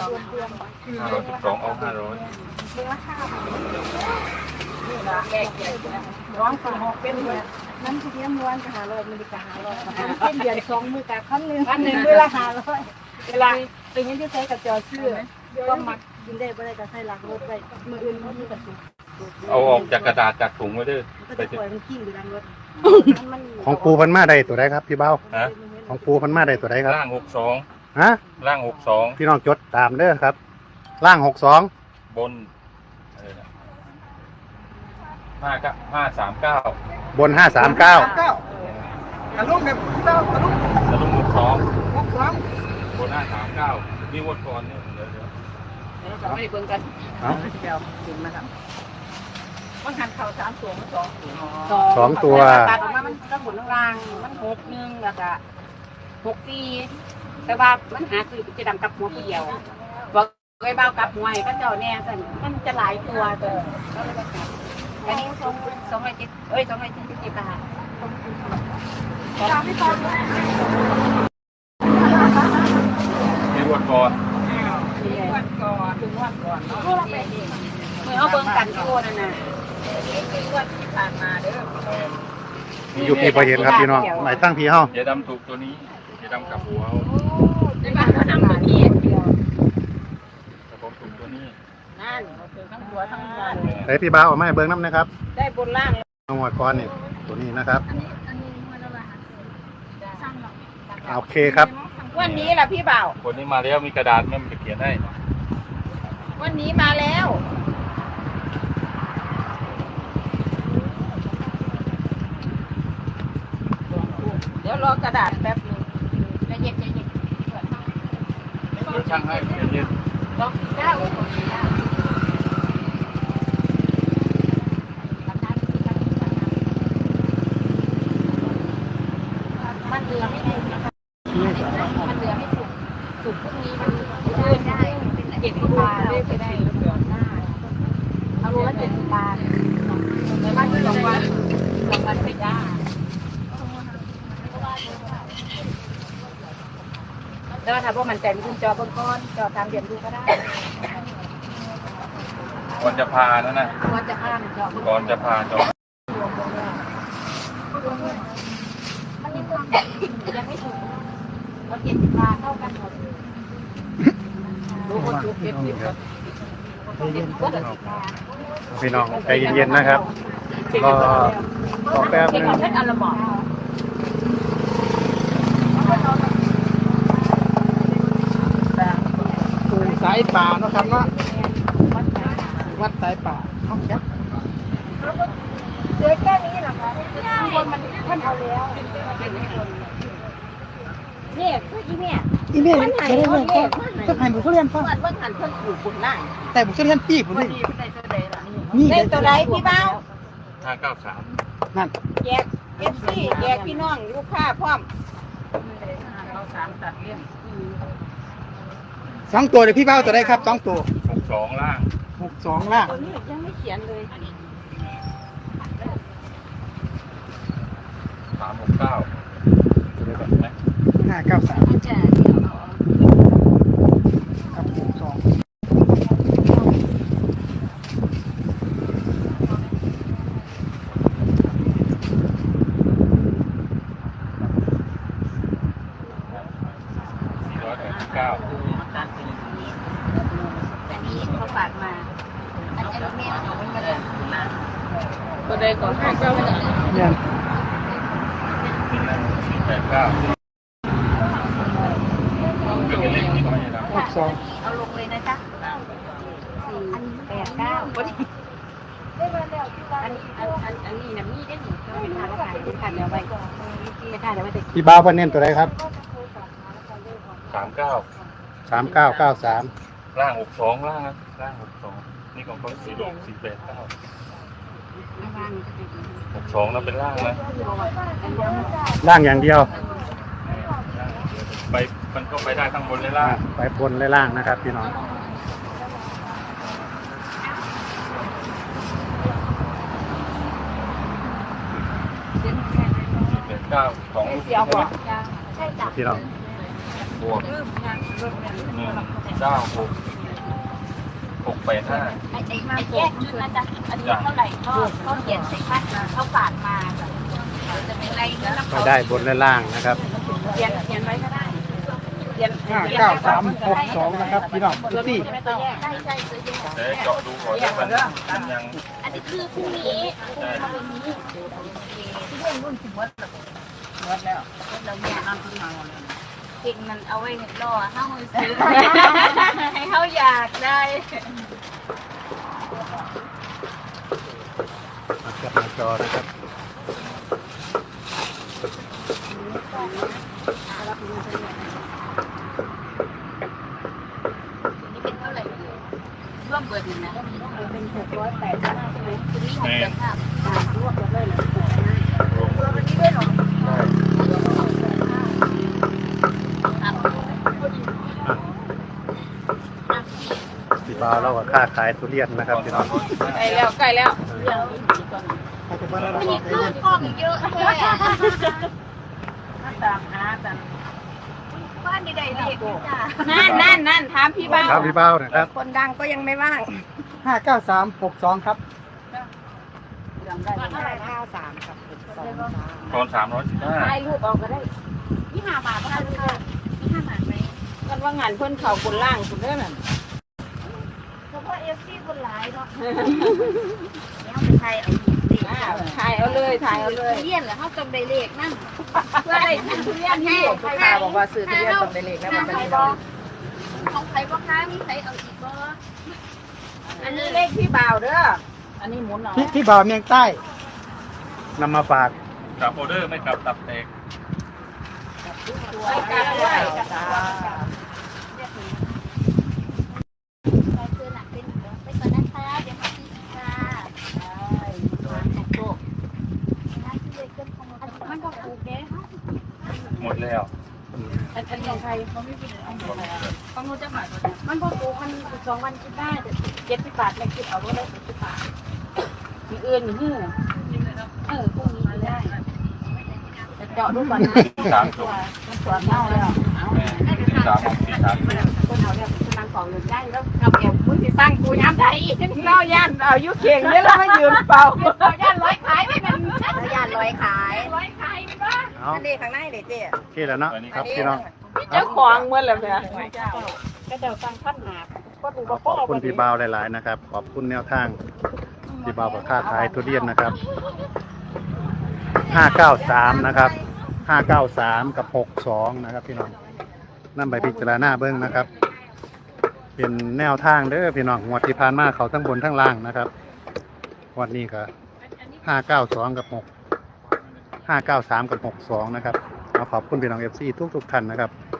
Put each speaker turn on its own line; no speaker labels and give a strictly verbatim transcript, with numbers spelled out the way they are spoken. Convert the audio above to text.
ห้าร้อยสิบสองเอาห้าร้อย
ร้องสองหกเป็นเลยน้ำทุเรียนม้วนก็หาร้อยมิลลิกรัมหาร้อยเป็นเดือนสองมือกับขั้นหนึ่งขั้นหนึ่งเวลาหาร้อยเวลาเป็นยังที่ใช้กับจอชื่อก็มักกินได้ไม่ได้ก็ใช้หลังรถไปมืออื่นเขาที่กระสุน
เอาออกจากกระดาษจากถุงไว้ด้วย
ก็จะปล่อยมันกิ้งอยู่หลังรถ
ของปูพันมาได้ตัวใดครับพี่เบ้า
ฮะ
ของปูพันมาได้ตัวใดครับ
ล่างหกสอง
ฮะ
ล่างหกสอง
พี่น้องจดตามเด้อครับล่างหกสอง
บนห้าเก้าห้าสามเก้า
บนห้าสามเก้า
ตะลุงเนี่ยพี่เต้าตะลุง
ตะลุงหกสอง
หกสอง
บนห้าสามเก้านี่วดก่อนเนี่ยเดี๋ยวเดี๋ยว
เราไม่เบิ่งกันเอาเดี๋ยวถึงนะครับมันหันเข่าสามตัวมันสอง
สองตัว
ตัดออกมามันกระบุนล่างมันหกหนึ่งแล้วก็หกสี่แต่ว่ามันหาคือจะดำกับหัวเดียวบอกไว้เบากับหัวให้ก็เจ้าแน่สันมันจะหลายตัวตัวอันนี้สองสองร้อยเจ็ดเอ้ยสองร้อยเจ็ดสิบเจ็ดบาทไม่ต้อง
นี่วดก่อน
วันก่อนถึงวันก่อนเนาะเมื่อเอาเบิ่งกันโก้นั่นน่ะวันที่ผ่านมาเด้อ
มีอยู่พี่พอเห็นครับพี่น้องไหนตั้งพี่เฮา
อย่าดำถูกตัวนี้อย่าดำกับหัว
ในบ้านเขาทำตัวนี้เดียว
แต่ผมถูกตัวนี้
นั่นคือทั้งหัวทั้งหัว
ไหนพี่เบ้าเอาไม้เบิ้งน้ำนะครับ
ได้บนล่าง
จังหวัดก้อนนี่ตัวนี้นะครับโอเคครับ
วันนี้ล่ะพี่เบา
คนนี้มาแล้วมีกระดาษแม่มันจะเขียนให้
วันนี้มาแล้วเดี๋ยวรอกระดาษแป๊บนึงจะเย็นจะเย็น
เดี๋ยวช่างให้เย็น
ลองได้มันเหลือไม่ได้มันเหลือไม่สุกสุกพรุ่งนี้มันเลื่อนได้เจ็ดสิบบาทได้ไปได้เอาโลละเจ็ดสิบบาทในบ้านที่สองวันสองวันไปได้แล้วถ้าพวกมันใจมีคุณจอบนก้อนจอตามเดือนดูก็ได้
ก่อนจะพานั่นนะ
ก่อนจะพาจอ
ก่อนจะพาจอ
มันยังยังไม่ถูกเราเจ็ดสิบบาทเท่ากันหมดดูคนจุกเจ็ดสิบ
พี่น้องใจเย็นๆนะครับรอรอแป๊บนึง
สายป่าเนาะครับเนาะวัดสายป่าห้องแคบ
เสือแค่นี้เหรอคะคนมันท่านเอาแล้วเนี่ยอีเนี่ย
อีเมลมันหายเลยก็หายหมดทุเรียนพ่อ
ว่าหันเพิ่งปลูกบุญไล่
แต่บุญทุเรียนปีผมนี่
นี่ได้ตัวใดพี่เบ้า
ห้าเก้าสาม
นั่น
แยกเอฟซีแยกพี่น้องลูกค้าพร้อมเราสามตัดเลี้ยง
สองตัวเดี๋ยวพี่เบ้าตัวได้ครับสองตัว
หกสองล่าง
หกสองล่าง
ตัวนี้ยังไม่เขียนเลย
สามหกเก้า
ห้าเก้าสาม
จะ
กับหกสอง
สี่ร้อยแปดสิบเก้า
อันนี้เขาฝากมาอันนี้แม่เอาไว้กันเลยตัวใดก่อนห้าเก้าสาม
เนี่ย
สี่แปดเก้า
หกสอง
เอาลงเลยนะจ๊ะสี่แปดเก้าอันนี้อันอันอันนี้นะมีได้หนิไม่ทานแล้วขายเป็นขันเดียวไปไม่ทานแล้วไม่ติด
พี่บ้าพันเน้นตัวไหนครับ
สามเก้า
สามเก้าเก้าสาม
ล่างหกสองล่างนะล่างหกสองนี่ของเขาสี่หกสี่แปดเก้าหกสองนั่นเป็นล่างนะ
ล่างอย่างเดียว
ไปมันก็ไปได้ทั้งบนและล่าง
ไปบนและล่างนะครับพี่น้อง
สี่แปดเก้าของ
เสียวบอกใช่จ้ะ
พี่น้อง
บวกหนึ่งเก้าหกหกแปดห้า
ไอ้ไอ้ไอ้แยกชุดนะจ๊ะอันนี้เท่าไหร่ก็ก็เขียนใส่คัดเขาฝากมาจ้ะจะเป็นไรก็ต้อง
ก็ได้บนและล่างนะครับ
เขียนเขียนไว้ก็ได้เขียน
ห้าเก้าสามหกสองนะครับพี่น้องดูสิ
ไม่ต้องแยกได้ใช่ซื้อแยก
เดี๋ยวเจาะดูก่อนว่ามันมันยัง
อันนี้คือพรุ่งนี้พรุ่งนี้มาเป็นนี้ที่เรื่องรุ่นสิบวัดวัดแล้วเราเนี่ยนั่งขึ้นมาเก่งมันเอาไว้รอห้ามือซื้อให้เขาอยากได้
มาจับมาจอนะครับ
นี่เป็นเท่าไหร่ร่วมเบอร์ดีนะเป็นหกร้อยแปดสิบใช่ไหมคุณนี่หกร้อยห้าสิบรวมเลยเหรอรวมวันนี้ด้วยเหรอ
พี่บ่าวเราก็ค่าขายทุเรียนนะครับพี่น้อง
ใกล้แล้วใกล้แล้ว
เขาจะมาแล้ว
มีเครื่องกล้องเยอะเลยอ่ะตามหาจังบ้านใดๆเด็กจ้ะนั่นนั่นนั่นถามพี่บ้า
ครับพี่บ่าวนะครับ
คนดังก็ยังไม่ว่าง
ห้าเก้าสามหกสองครับ
เท่าไหร่ห้าสามกับสอง
ตอนสามร้อยสิบห้า
ถ่ายรูปออกก็ได้นี่ห้าบาทก็ได้ลูกค้านี่ห้าบาทไหมกันว่างานเพื่อนเขาคนล่างคนเด้อนั่นเพราะว่าเอฟซีคนหลายเนาะแล้วไปถ่ายเอาถ่ายเอาเลยถ่ายเอาเลยเรียนเหรอเขาจำได้เลขนั่นเพื่ออะไรทุเรียนให้ลูกค้าบอกว่าซื้อทุเรียนจำได้เลขแล้วมันจะมีบอของใครบ่ค้ามีใครเอาอีกบ่อันนี้เลขพี่บ่าวเด้ออันนี้หมุนเอา
พี่พี่บ่าวเมียงใต้
นำมาฝาก
กลับออเดอร์ไม่กลับตับแตก
ไปกลับด้วยมันก็ถูกเด้
หมดแล้ว
อันอันของใครเขาไม่เป็นของของนู้นจะหมายมันพอถูกมันสองวันคิดได้เจ็ดสิบบาทไม่คิดเอาก็ได้เจ็ดสิบบาทมีเอื่นหื้อเออพวกนี้ได้จะเจาะดูก่อนนะ
สามถุง
มันสวนเน่าแล้วเอา
สี่สามสี่สาม
คนเอาเนี่ยกำลังของเงินได้แล้วเอาเก็บคุณสิสร้างกูย้ำได้อีกเล่าย่านเอายุเข่งเนี่ยแล้วมายืนเป่าเอาย่านร้อยขายไม่เป็นย่านร้อยขายร้อยขายไม่บ้า
เอา
อันนี้ข้างในเด็ดเจ๊
โอเคแล้วเนาะครับพี่น้อง
เจ้าของเมื่อไหร่เนี่ยก็เดี๋ยวตั้งขั้นหาก็ดู
ขอบคุณพี่บ่าวหลายๆนะครับ ขอบคุณแนวทางพี่บ่าวกับค่าขายทุเรียนนะครับห้าเก้าสามนะครับห้าเก้าสามกับหกสองนะครับพี่น้องนั่นใบพิจารณาเบิ้งนะครับ เป็นแนวทางเด้อพี่น้องงวดที่ผ่านมาเขาทั้งบนทั้งล่างนะครับวันนี้ก็ห้าเก้าสองกับหกห้าเก้าสามกับหกสองนะครับขอขอบคุณพี่น้องเอฟซีทุกๆท่านนะครับ